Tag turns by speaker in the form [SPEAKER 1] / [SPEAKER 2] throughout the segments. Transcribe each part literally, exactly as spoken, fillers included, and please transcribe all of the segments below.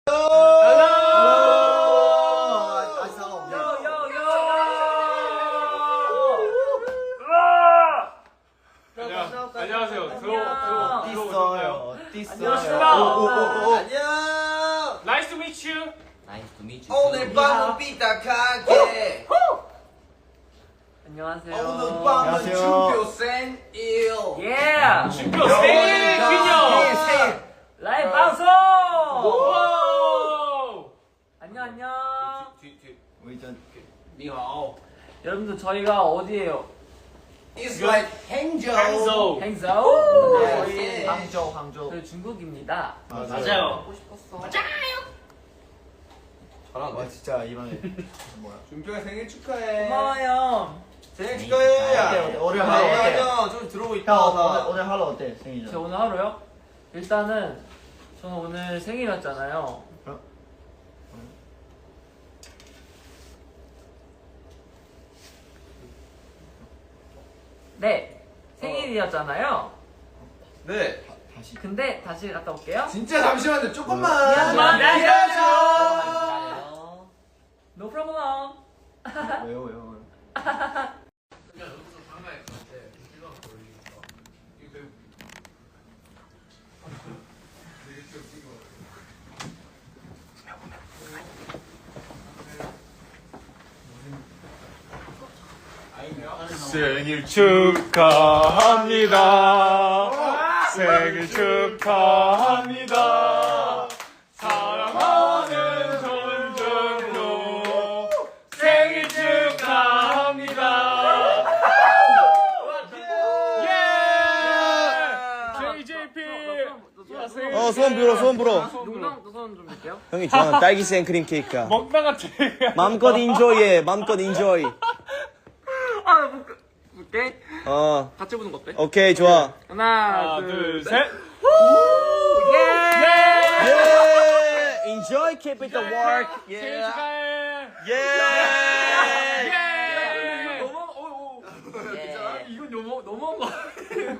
[SPEAKER 1] 안녕하세요. 들어 들어
[SPEAKER 2] 어딨어요?
[SPEAKER 1] 안녕하십니까.
[SPEAKER 3] 안녕.
[SPEAKER 1] Nice to meet you.
[SPEAKER 2] Nice to meet you.
[SPEAKER 3] 오늘 밤은 삐딱하게.
[SPEAKER 4] 안녕하세요.
[SPEAKER 3] 오늘 밤은 준표 생일.
[SPEAKER 4] 예.
[SPEAKER 1] 준표 생일 기념.
[SPEAKER 4] 라이브 방송.
[SPEAKER 1] 오.
[SPEAKER 4] 안녕 안녕.
[SPEAKER 2] 우리 전
[SPEAKER 3] 니하오.
[SPEAKER 4] 여러분들 저희가 어디에요?
[SPEAKER 3] It's like 행저.
[SPEAKER 1] 항소.
[SPEAKER 4] 행소.
[SPEAKER 3] 네.
[SPEAKER 4] 저희
[SPEAKER 2] 항저우 항저우.
[SPEAKER 4] 저희 중국입니다.
[SPEAKER 1] 맞아요.
[SPEAKER 4] 보고 싶었어.
[SPEAKER 3] 잘한다.
[SPEAKER 2] 와 진짜 이번에 뭐야?
[SPEAKER 3] 준표가 생일 축하해.
[SPEAKER 4] 고마워요.
[SPEAKER 3] 생일 축하해.
[SPEAKER 2] 어때, 오늘 하루 어때?
[SPEAKER 3] 아니야, 좀 들어오고 있다.
[SPEAKER 2] 형 오늘 오늘 하루 어때?
[SPEAKER 4] 제
[SPEAKER 2] 생일이잖아.
[SPEAKER 4] 오늘 하루요? 일단은 저는 오늘 생일이었잖아요. 네, 생일이었잖아요.
[SPEAKER 3] 네.
[SPEAKER 2] 다시.
[SPEAKER 4] 근데 다시 갔다 올게요.
[SPEAKER 3] 진짜 잠시만요. 조금만.
[SPEAKER 4] 미안해.
[SPEAKER 3] 기다려줘.
[SPEAKER 4] No problem.
[SPEAKER 2] 왜요 왜요 왜요?
[SPEAKER 1] 생일 축하합니다. 생일 축하합니다. 사랑하는 손준호 생일 축하합니다. 예! 제이제이피
[SPEAKER 5] 어 소원 불어 소원 불어.
[SPEAKER 4] 농담도 손 좀 줄게요.
[SPEAKER 5] 형이 좋아하는 딸기 생크림 케이크야.
[SPEAKER 1] 먹다가 제가
[SPEAKER 5] 맘껏 인조이해. 맘껏 인조이.
[SPEAKER 4] 아, 볼게. 볼게.
[SPEAKER 5] 어
[SPEAKER 4] 같이 보는 거 어때?
[SPEAKER 5] 오케이 좋아.
[SPEAKER 4] 하나,
[SPEAKER 1] 하나
[SPEAKER 4] 둘, 셋.
[SPEAKER 1] 둘셋
[SPEAKER 4] 예!
[SPEAKER 5] 예. Enjoy keep it the work.
[SPEAKER 1] 생일
[SPEAKER 5] 예.
[SPEAKER 1] 축하해.
[SPEAKER 5] 예.
[SPEAKER 1] 예!
[SPEAKER 4] 너무, 어, 어. 괜찮아? 이건 너무, 너무한 거 아니에요?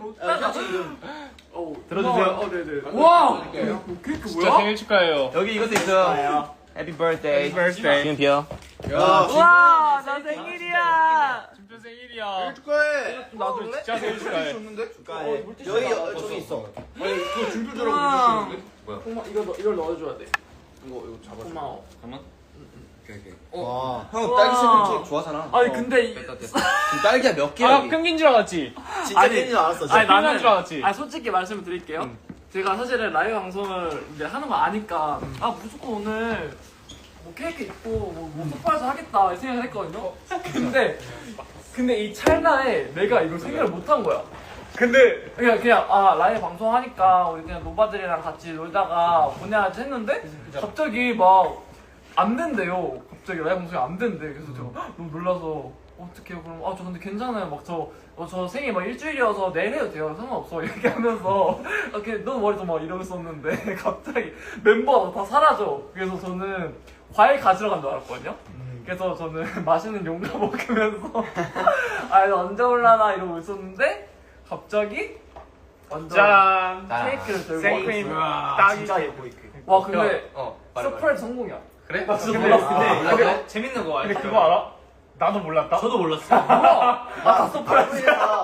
[SPEAKER 4] 어,
[SPEAKER 2] 들어주세요.
[SPEAKER 4] 어, 네네. 와! 케이크
[SPEAKER 1] 진짜
[SPEAKER 4] 뭐야?
[SPEAKER 1] 생일 축하해요.
[SPEAKER 2] 여기 이것도 있어요. Happy birthday.
[SPEAKER 1] Happy birthday.
[SPEAKER 5] 지금 비어.
[SPEAKER 3] 야,
[SPEAKER 4] 와, 나 생일이야!
[SPEAKER 1] 준표 생일이야.
[SPEAKER 3] 축하해.
[SPEAKER 4] 나도
[SPEAKER 1] 진짜 생일 축하해.
[SPEAKER 3] 줬는데?
[SPEAKER 2] 축하해.
[SPEAKER 3] 여기
[SPEAKER 2] 어, 저기 있어.
[SPEAKER 3] 아니, 그거 준표처럼
[SPEAKER 4] 우와.
[SPEAKER 3] 주셨는데? 뭐야?
[SPEAKER 4] 고마, 이거, 넣- 이걸 넣어줘야 돼.
[SPEAKER 3] 이거 이거 잡아.
[SPEAKER 4] 고마워.
[SPEAKER 3] 잠깐만. 오케이 오케이.
[SPEAKER 2] 와.
[SPEAKER 3] 형
[SPEAKER 4] 우와.
[SPEAKER 3] 딸기 생크림 케이크 좋아하잖아.
[SPEAKER 4] 아니, 근데. 이-
[SPEAKER 3] 됐다 됐다. 지금 딸기가 몇 개야?
[SPEAKER 1] 아,
[SPEAKER 3] 여기?
[SPEAKER 1] 펭귄 줄 알았지?
[SPEAKER 2] 진짜
[SPEAKER 4] 아니,
[SPEAKER 2] 생일 줄 알았어. 진짜.
[SPEAKER 4] 아니, 나는.
[SPEAKER 1] 줄 알았지?
[SPEAKER 4] 아, 솔직히 말씀을 드릴게요. 제가 사실은 라이브 방송을 이제 하는 거 아니까, 아, 무조건 오늘 뭐 케이크 있고, 뭐, 뭐 서프라이즈 하겠다, 이 생각을 했거든요. 근데, 근데 이 찰나에 내가 이걸 생각을 못 한 거야.
[SPEAKER 1] 근데
[SPEAKER 4] 그냥, 그냥, 아, 라이브 방송 하니까 우리 그냥 노바들이랑 같이 놀다가 보내야지 했는데, 갑자기 막, 안 된대요. 갑자기 라이브 방송이 안 된대. 그래서 제가 헉, 너무 놀라서, 어떡해요, 그럼, 아, 저 근데 괜찮아요. 막 저, 어, 저 생일 막 일주일이어서 내일 해도 돼요. 상관없어. 이렇게 하면서, 이렇게 너무 머리 좀막 이러고 있었는데, 갑자기 멤버가 다 사라져. 그래서 저는 과일 가지러 간 줄 알았거든요. 그래서 저는 맛있는 용가 먹으면서, 아, 이거 언제 올라나 이러고 있었는데, 갑자기, 완전
[SPEAKER 1] 짠.
[SPEAKER 4] 케이크를 들고
[SPEAKER 1] 생크림
[SPEAKER 4] 왔어요.
[SPEAKER 1] 딸기
[SPEAKER 2] 진짜 예뻐 이 케이크.
[SPEAKER 4] 와, 근데,
[SPEAKER 3] 어. 말해, 말해.
[SPEAKER 4] 서프라이즈 성공이야.
[SPEAKER 3] 그래?
[SPEAKER 4] 나 진짜
[SPEAKER 1] 근데-
[SPEAKER 4] 몰랐어.
[SPEAKER 1] 근데-
[SPEAKER 4] 아,
[SPEAKER 1] 근데-
[SPEAKER 3] 재밌는 거
[SPEAKER 1] 근데 그거 알아? 나도 몰랐다.
[SPEAKER 2] 저도 몰랐어.
[SPEAKER 4] 뭐야? 아, 다 서프라이즈.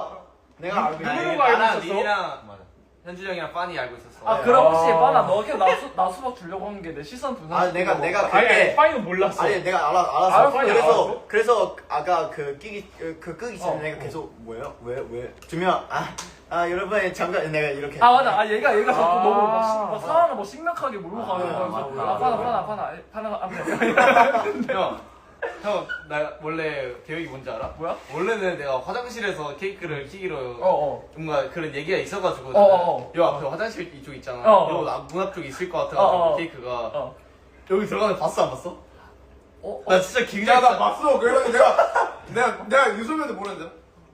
[SPEAKER 2] 내가 알고
[SPEAKER 1] 누구누구
[SPEAKER 2] 있는데.
[SPEAKER 1] 알고
[SPEAKER 3] 나랑
[SPEAKER 1] 있었어?
[SPEAKER 3] 니랑 현준이 형이랑 빠니 알고 있었어.
[SPEAKER 4] 아, 그럼 혹시
[SPEAKER 1] 아.
[SPEAKER 4] 빠나 너 그냥 나, 수, 나 수박 주려고 한 게 내 시선 분산.
[SPEAKER 2] 아 내가 내가
[SPEAKER 1] 아니, 아니,
[SPEAKER 2] 그때
[SPEAKER 1] 파이는 몰랐어.
[SPEAKER 2] 아니 내가 알아 알았어.
[SPEAKER 4] 알았어,
[SPEAKER 2] 그래서
[SPEAKER 1] 알았어?
[SPEAKER 2] 그래서 아까 그 끼기 그, 그 끄기 전에
[SPEAKER 4] 어,
[SPEAKER 2] 내가 계속 뭐예요? 왜왜두명 아 아 여러분 잠깐 내가 이렇게.
[SPEAKER 4] 아 맞아. 아 얘가 얘가 자꾸
[SPEAKER 1] 아.
[SPEAKER 4] 너무 막, 시- 막 상황을 뭐 심각하게 몰고
[SPEAKER 2] 아,
[SPEAKER 4] 가는
[SPEAKER 2] 아,
[SPEAKER 4] 거야.
[SPEAKER 2] 아,
[SPEAKER 4] 그래서
[SPEAKER 2] 아,
[SPEAKER 4] 아 파나
[SPEAKER 2] 아,
[SPEAKER 4] 파나 파나 파나 파나 아
[SPEAKER 3] 형, 형, 나 원래 계획이 뭔지 알아?
[SPEAKER 4] 뭐야?
[SPEAKER 3] 원래는 내가 화장실에서 케이크를 키기로
[SPEAKER 4] 어어.
[SPEAKER 3] 뭔가 그런 얘기가 있어가지고
[SPEAKER 4] 어, 어, 어.
[SPEAKER 3] 요 앞에 화장실 이쪽 있잖아.
[SPEAKER 4] 어, 어.
[SPEAKER 3] 요 앞- 문 앞쪽에 있을 것
[SPEAKER 4] 어,
[SPEAKER 3] 같아가지고
[SPEAKER 4] 어.
[SPEAKER 3] 케이크가
[SPEAKER 4] 어.
[SPEAKER 3] 여기 들어가는 거 봤어 안 봤어?
[SPEAKER 4] 어?
[SPEAKER 3] 나 진짜 굉장히
[SPEAKER 6] 야, 나 봤어. 그래서 내가, 내가, 내가 유소면도 모르는데.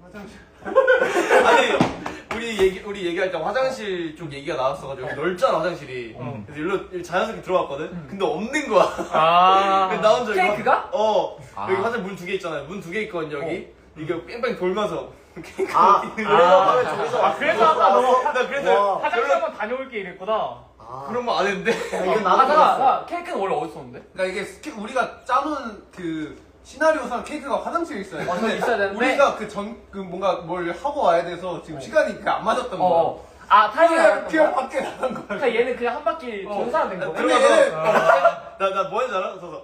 [SPEAKER 3] 아니 우리 얘기 우리 얘기할 때 화장실 쪽 얘기가 나왔어가지고 여기 넓잖아 화장실이. 그래서 일로 자연스럽게 들어갔거든. 근데 없는 거야.
[SPEAKER 1] 아.
[SPEAKER 3] 그래서 나 혼자 여기
[SPEAKER 4] 케이크가?
[SPEAKER 3] 화- 어 여기 화장실 문 두 개 있잖아요. 문 두 개 있거든 여기. 이게 뺑뺑 돌면서 케이크가
[SPEAKER 2] 아,
[SPEAKER 3] 어디 있는
[SPEAKER 2] 그래서
[SPEAKER 3] 거야.
[SPEAKER 2] 저기서
[SPEAKER 1] 아, 그래서 아까 너
[SPEAKER 3] 나 그래서
[SPEAKER 2] 와.
[SPEAKER 1] 화장실 한번 다녀올게 이랬구나.
[SPEAKER 2] 아,
[SPEAKER 3] 그런 거 안 했는데.
[SPEAKER 2] 야, 이건
[SPEAKER 4] 아,
[SPEAKER 2] 나도
[SPEAKER 4] 잠깐,
[SPEAKER 2] 몰랐어.
[SPEAKER 4] 잠깐. 케이크는 원래 어디 있었는데?
[SPEAKER 6] 그러니까 이게 스케, 우리가 짜놓은 그 시나리오상 케이크가 화장실에 있어야 돼.
[SPEAKER 4] 어, 저기 있어야 되는데.
[SPEAKER 6] 우리가 그 전 그 뭔가 뭘 하고 와야 돼서 지금 시간이 그 안 맞았던 거야.
[SPEAKER 4] 어, 어. 아, 타이밍이
[SPEAKER 6] 그냥
[SPEAKER 4] 안
[SPEAKER 6] 그냥
[SPEAKER 4] 맞았던 거야?
[SPEAKER 6] 밖에 나간 거야.
[SPEAKER 4] 그러니까 얘는 그냥 한 바퀴
[SPEAKER 6] 어.
[SPEAKER 4] 전사가 된 거네.
[SPEAKER 6] 근데 얘는
[SPEAKER 3] 나나 뭐 했는지 알아? 그래서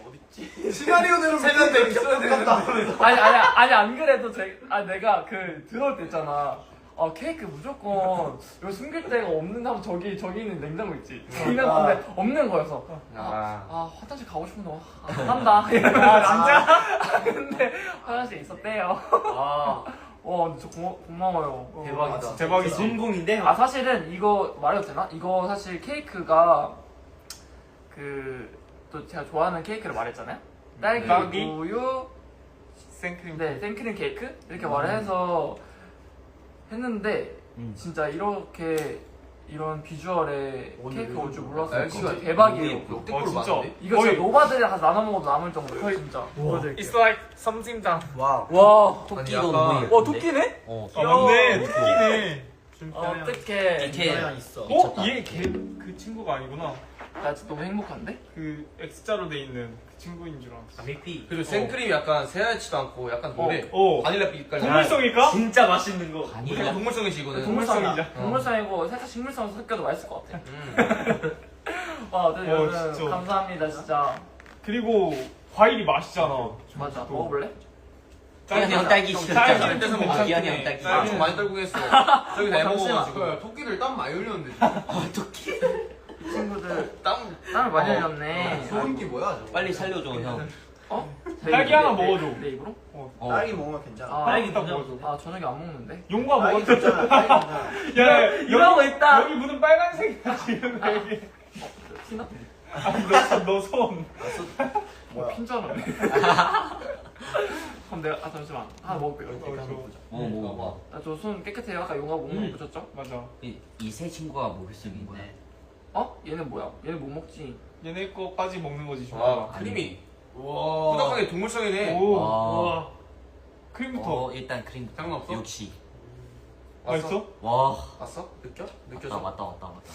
[SPEAKER 6] 시나리오대로
[SPEAKER 3] 세면대
[SPEAKER 6] 밑에 있어야 되는데.
[SPEAKER 4] 아니, 아니, 아니, 안 그래도 제, 아, 내가 그, 들어올 때 있잖아. 아, 케이크 무조건, 여기 숨길 데가 없는 하면 저기, 저기 있는 냉장고 있지. 이런 건데, 없는 거여서. 아, 아, 화장실 가고 싶은데, 안 간다. 아, 진짜? 근데, 화장실에 있었대요.
[SPEAKER 3] 아
[SPEAKER 4] 와, 근데 저 고마, 고마워요.
[SPEAKER 3] 대박이다.
[SPEAKER 1] 대박이지.
[SPEAKER 5] 성공인데?
[SPEAKER 4] 아, 사실은 이거 말해도 되나? 이거 사실 케이크가, 그, 또 제가 좋아하는 케이크를 말했잖아요? 딸기,
[SPEAKER 1] 딸기?
[SPEAKER 4] 우유,
[SPEAKER 1] 생크림.
[SPEAKER 4] 네, 생크림 케이크? 이렇게 말해서 했는데,
[SPEAKER 5] 음.
[SPEAKER 4] 진짜 이렇게, 이런 비주얼의 케이크 올 줄 몰랐어요.
[SPEAKER 3] 날씨가
[SPEAKER 4] 진짜 대박이에요.
[SPEAKER 3] 역대급으로
[SPEAKER 1] 어, 진짜.
[SPEAKER 3] 많은데?
[SPEAKER 4] 이거
[SPEAKER 1] 거의-
[SPEAKER 4] 진짜 노바들이랑 같이 나눠 먹어도 남을 정도예요, 진짜.
[SPEAKER 1] It's like 썸띵장.
[SPEAKER 5] 와우.
[SPEAKER 4] 와,
[SPEAKER 5] 토끼도
[SPEAKER 3] 약간-
[SPEAKER 5] 너무 예쁜데?
[SPEAKER 4] 와, 토끼네?
[SPEAKER 5] 어.
[SPEAKER 1] 아 맞네. 토끼네.
[SPEAKER 4] 어떡해.
[SPEAKER 5] 이렇게
[SPEAKER 2] 있어.
[SPEAKER 1] 어? 얘 걔 그 친구가 아니구나.
[SPEAKER 4] 나 진짜 너무 행복한데?
[SPEAKER 1] 그 X자로 돼 있는 그 친구인 줄 알았어.
[SPEAKER 5] 밀피.
[SPEAKER 3] 그리고 생크림이 약간 새하얗지도 않고 약간 노래.
[SPEAKER 1] 어.
[SPEAKER 3] 바닐라 빛깔.
[SPEAKER 1] 동물성일까?
[SPEAKER 5] 진짜 맛있는 거.
[SPEAKER 3] 무조건 동물성이지 이거는.
[SPEAKER 4] 동물성이야.
[SPEAKER 1] 동물성이죠.
[SPEAKER 4] 동물성이고 살짝 식물성 섞여도 맛있을 것 같아.
[SPEAKER 3] 음.
[SPEAKER 4] 와, 어쨌든
[SPEAKER 1] 어,
[SPEAKER 4] 여러분
[SPEAKER 1] 진짜.
[SPEAKER 4] 감사합니다, 진짜.
[SPEAKER 1] 그리고 과일이 맛있잖아.
[SPEAKER 4] 맞아, 먹어볼래?
[SPEAKER 5] 기한이 형 딸기
[SPEAKER 3] 형,
[SPEAKER 5] 싫었잖아.
[SPEAKER 3] 딸기 뺏어 먹자.
[SPEAKER 5] 기한이 형 딸기.
[SPEAKER 3] 아, 좀 많이 떨고 했어. 저기 내 먹어가지고.
[SPEAKER 6] 그 토끼들 땀 많이 흘렸는데.
[SPEAKER 4] 이 친구들
[SPEAKER 3] 땀.
[SPEAKER 4] 땀을 많이
[SPEAKER 3] 어.
[SPEAKER 4] 흘렸네.
[SPEAKER 6] 소름기 뭐야 저거?
[SPEAKER 5] 빨리 살려줘 형.
[SPEAKER 4] 어?
[SPEAKER 1] 딸기 하나 먹어줘.
[SPEAKER 4] 내 입으로?
[SPEAKER 5] 어.
[SPEAKER 2] 딸기 먹으면 괜찮아.
[SPEAKER 4] 아,
[SPEAKER 1] 딸기 딱 먹어줘.
[SPEAKER 4] 아, 저녁에 안 먹는데?
[SPEAKER 1] 용과
[SPEAKER 2] 딸기
[SPEAKER 1] 먹어줘.
[SPEAKER 2] 괜찮아. 딸기 괜찮아.
[SPEAKER 1] 야,
[SPEAKER 4] 이러고 있다.
[SPEAKER 1] 여기 문은 빨간색이야 지금 여기.
[SPEAKER 4] 티나?
[SPEAKER 1] 아니 너너 손.
[SPEAKER 2] 뭐야?
[SPEAKER 4] 핀줄 알았네. 그럼 내가, 아, 잠시만. 하나 먹을게요.
[SPEAKER 1] 어, 저-
[SPEAKER 5] 뭐 먹어봐.
[SPEAKER 4] 아, 저 손 깨끗해요. 아까 용하고 못
[SPEAKER 5] 음.
[SPEAKER 4] 붙였죠?
[SPEAKER 1] 맞아.
[SPEAKER 5] 이 세 친구가 먹을 수 있는 거야.
[SPEAKER 4] 어? 얘는 뭐야? 얘는 못 먹지.
[SPEAKER 1] 얘네 거까지 먹는 거지
[SPEAKER 3] 와
[SPEAKER 1] 좋아.
[SPEAKER 3] 크림이.
[SPEAKER 6] 와.
[SPEAKER 3] 꾸덕하게 동물성이네.
[SPEAKER 1] 오.
[SPEAKER 5] 와.
[SPEAKER 1] 와. 크림부터.
[SPEAKER 5] 어 일단 크림부터.
[SPEAKER 3] 상관없어?
[SPEAKER 5] 역시.
[SPEAKER 1] 맛있어?
[SPEAKER 5] 와.
[SPEAKER 3] 왔어? 느껴?
[SPEAKER 5] 왔다
[SPEAKER 3] 느껴져?
[SPEAKER 5] 왔다 왔다 왔다.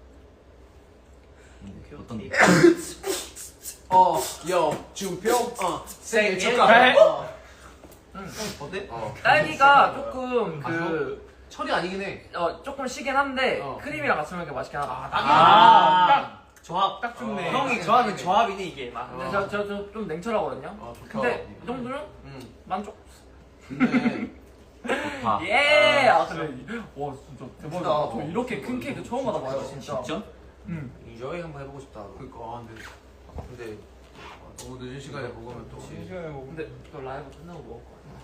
[SPEAKER 5] 음, 어떤 게?
[SPEAKER 6] 어, 요, 준표, 어, 생일
[SPEAKER 1] 축하해.
[SPEAKER 6] 축하해. 어.
[SPEAKER 3] 어때? 어.
[SPEAKER 4] 딸기가 조금 그,
[SPEAKER 3] 철이 아니긴 해.
[SPEAKER 4] 어, 조금 시긴 한데,
[SPEAKER 6] 어.
[SPEAKER 4] 크림이랑 같이 먹으니까 맛있긴 하다.
[SPEAKER 1] 아, 딱
[SPEAKER 5] 조합.
[SPEAKER 1] 딱 좋네.
[SPEAKER 3] 형이
[SPEAKER 5] 조합은 조합이네 이게. 막.
[SPEAKER 4] 근데 저, 저, 저 좀 냉철하거든요?
[SPEAKER 6] 어, 좋다.
[SPEAKER 4] 근데 이 정도면
[SPEAKER 3] 음.
[SPEAKER 4] 만족?
[SPEAKER 6] 근데
[SPEAKER 5] 좋다.
[SPEAKER 4] 예! 아, 근데, 와, 진짜 대박이다.
[SPEAKER 3] 진짜.
[SPEAKER 4] 저 이렇게 큰 케이크 처음 받아봐요, 진짜.
[SPEAKER 5] 진짜?
[SPEAKER 4] 응.
[SPEAKER 3] 인조이 한번 해보고 싶다.
[SPEAKER 6] 그니까 아, 근데
[SPEAKER 3] 근데 너무 늦은 시간에 먹으면 또.
[SPEAKER 1] 시간에 먹.
[SPEAKER 4] 근데 너 라이브 끝나고 먹을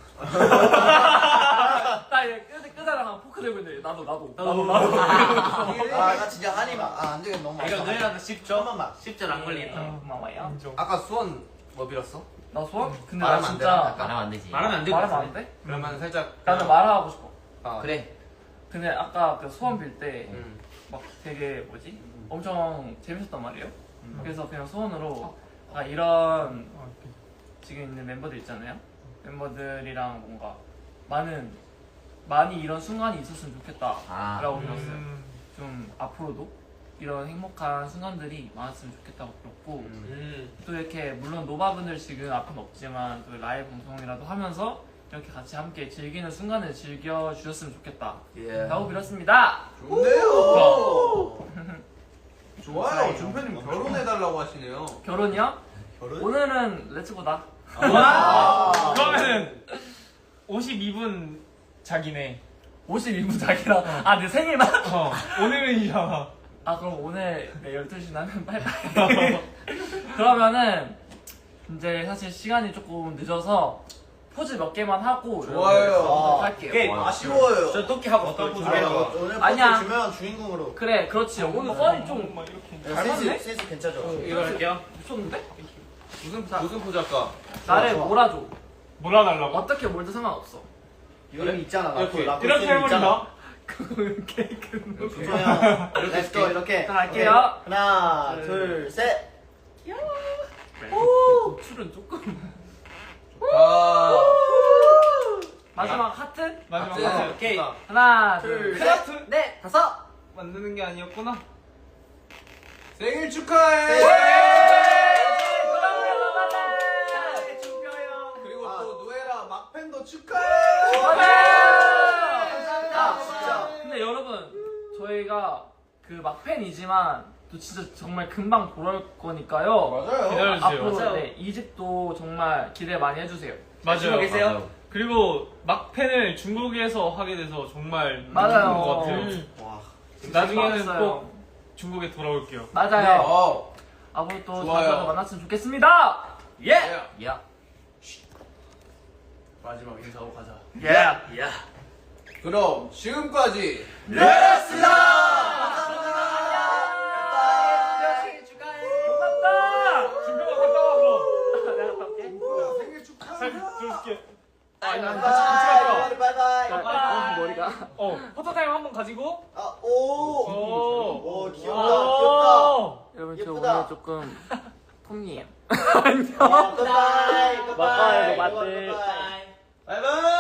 [SPEAKER 4] 거야. 나 이제 끄, 끄자랑 포크 들고 있는데, 나도, 나도. 나도, 나도.
[SPEAKER 2] 아, 나 진짜 한입 아, 안 되겠네. 너무 맛있어.
[SPEAKER 5] 이거 너희랑도 십 초?
[SPEAKER 2] 한 번만.
[SPEAKER 5] 십 초 안 걸리겠다.
[SPEAKER 4] 어, 고마워요.
[SPEAKER 1] 인정.
[SPEAKER 3] 아까 수원 뭐 빌었어?
[SPEAKER 4] 나 소원? 근데 나
[SPEAKER 3] 말하면 안
[SPEAKER 4] 진짜
[SPEAKER 3] 되나?
[SPEAKER 5] 말하면 안 되지.
[SPEAKER 1] 말하면 안 돼.
[SPEAKER 4] 말하면 안 돼?
[SPEAKER 3] 그러면 살짝.
[SPEAKER 4] 나는 말하고 싶어.
[SPEAKER 3] 아,
[SPEAKER 5] 그래.
[SPEAKER 4] 근데 아까 그 소원 빌 때 막
[SPEAKER 3] 음.
[SPEAKER 4] 되게 뭐지? 엄청 재밌었단 말이에요. 그래서 그냥 소원으로 아, 이런 지금 있는 멤버들 있잖아요. 멤버들이랑 뭔가 많은 많이 이런 순간이 있었으면 좋겠다라고
[SPEAKER 5] 아.
[SPEAKER 4] 빌었어요.
[SPEAKER 1] 음.
[SPEAKER 4] 좀 앞으로도 이런 행복한 순간들이 많았으면 좋겠다고 빌었고
[SPEAKER 3] 음.
[SPEAKER 4] 또 이렇게 물론 노바분들 지금 앞은 없지만 또 라이브 방송이라도 하면서 이렇게 같이 함께 즐기는 순간을 즐겨 주셨으면 좋겠다.
[SPEAKER 3] 예.
[SPEAKER 4] 라고 빌었습니다.
[SPEAKER 6] 좋네요. 좋아요. 준표님 결혼해달라고 하시네요.
[SPEAKER 4] 결혼이요?
[SPEAKER 2] 결혼?
[SPEAKER 4] 오늘은 렛츠고다.
[SPEAKER 1] 와. 그러면은 오십이 분 자기네.
[SPEAKER 4] 오십이 분 자기랑 아 내 생일만?
[SPEAKER 1] 어. 오늘은이잖아.
[SPEAKER 4] 아 그럼 오늘 네, 열두 시 나면 빠이빠이. 그러면은 이제 사실 시간이 조금 늦어서 포즈 몇 개만 하고
[SPEAKER 6] 좋아요.
[SPEAKER 4] 여러분들 할게요.
[SPEAKER 2] 오케이, 아쉬워요.
[SPEAKER 5] 저 토끼 하고 어떤 포즈 해요?
[SPEAKER 2] 오늘 포즈
[SPEAKER 4] 아니야.
[SPEAKER 2] 주면 주인공으로.
[SPEAKER 4] 그래 그렇지. 오늘 썰이 좀
[SPEAKER 1] 막 이렇게.
[SPEAKER 2] 센스,
[SPEAKER 4] 잘하네?
[SPEAKER 2] 센스 괜찮죠?
[SPEAKER 5] 이거 할게요.
[SPEAKER 4] 미쳤는데?
[SPEAKER 3] 무슨 무슨 포즈 할까?
[SPEAKER 4] 나를
[SPEAKER 2] 좋아.
[SPEAKER 4] 몰아줘.
[SPEAKER 1] 몰아달라고.
[SPEAKER 4] 어떻게 몰든 상관없어.
[SPEAKER 2] 이름이 있잖아.
[SPEAKER 3] 이렇게,
[SPEAKER 2] 라코, 라코
[SPEAKER 1] 이렇게
[SPEAKER 2] 이름 있잖아.
[SPEAKER 1] 해버린다.
[SPEAKER 4] 케이크.
[SPEAKER 2] 조소영, 렛츠고 이렇게.
[SPEAKER 4] 자, 갈게요.
[SPEAKER 2] 오케이. 하나,
[SPEAKER 4] 네.
[SPEAKER 2] 둘, 셋.
[SPEAKER 4] 출은 조금.
[SPEAKER 3] 아.
[SPEAKER 4] 마지막 하트.
[SPEAKER 1] 마지막
[SPEAKER 3] 아,
[SPEAKER 1] 하트.
[SPEAKER 5] 오케이.
[SPEAKER 4] 하나
[SPEAKER 2] 둘,
[SPEAKER 4] 둘
[SPEAKER 2] 셋.
[SPEAKER 4] 셋. 넷 다섯.
[SPEAKER 1] 만드는 게 아니었구나.
[SPEAKER 6] 생일 축하해. 그리고
[SPEAKER 2] 아.
[SPEAKER 6] 또 누에라 막팬도 축하해.
[SPEAKER 2] 감사합니다. 진짜.
[SPEAKER 4] 근데 여러분 저희가 그 막팬이지만 또 진짜 정말 금방 돌아올 거니까요.
[SPEAKER 6] 맞아요.
[SPEAKER 1] 기다려주세요.
[SPEAKER 4] 앞으로 네, 이 집도 정말 기대 많이 해주세요.
[SPEAKER 1] 맞아요.
[SPEAKER 5] 계세요?
[SPEAKER 1] 그리고 막팬을 중국에서 하게 돼서 정말
[SPEAKER 4] 맞아요.
[SPEAKER 1] 좋은 것 같아요.
[SPEAKER 4] 음.
[SPEAKER 2] 와.
[SPEAKER 1] 나중에는
[SPEAKER 4] 맞아요.
[SPEAKER 1] 꼭 중국에 돌아올게요.
[SPEAKER 4] 맞아요.
[SPEAKER 6] 어.
[SPEAKER 4] 앞으로 또
[SPEAKER 6] 좋아요.
[SPEAKER 4] 자주 만났으면 좋겠습니다.
[SPEAKER 3] 예.
[SPEAKER 4] 야.
[SPEAKER 3] 마지막 인사하고 가자.
[SPEAKER 4] 예.
[SPEAKER 5] 야.
[SPEAKER 6] 그럼 지금까지
[SPEAKER 4] 고맙다.
[SPEAKER 1] 준표가 갔다 와 그럼.
[SPEAKER 4] 내가 갔다 올게.
[SPEAKER 6] 생일 축하해.
[SPEAKER 1] 사진 들어줄게.
[SPEAKER 2] 바이바이.
[SPEAKER 1] 같이 같이
[SPEAKER 2] 바이바이.
[SPEAKER 4] 아, 머리가.
[SPEAKER 1] 어 포토타임 한번 가지고.
[SPEAKER 2] 아, 오.
[SPEAKER 1] 오.
[SPEAKER 2] 오, 귀엽다. 귀엽다.
[SPEAKER 4] 여러분 저
[SPEAKER 2] 예쁘다.
[SPEAKER 4] 오늘 조금 통이에요.
[SPEAKER 2] 어, 굿바이. 굿바이.
[SPEAKER 5] 맞아요,
[SPEAKER 2] 굿바이.
[SPEAKER 5] 맞지.
[SPEAKER 2] 굿바이.
[SPEAKER 3] 바이바이.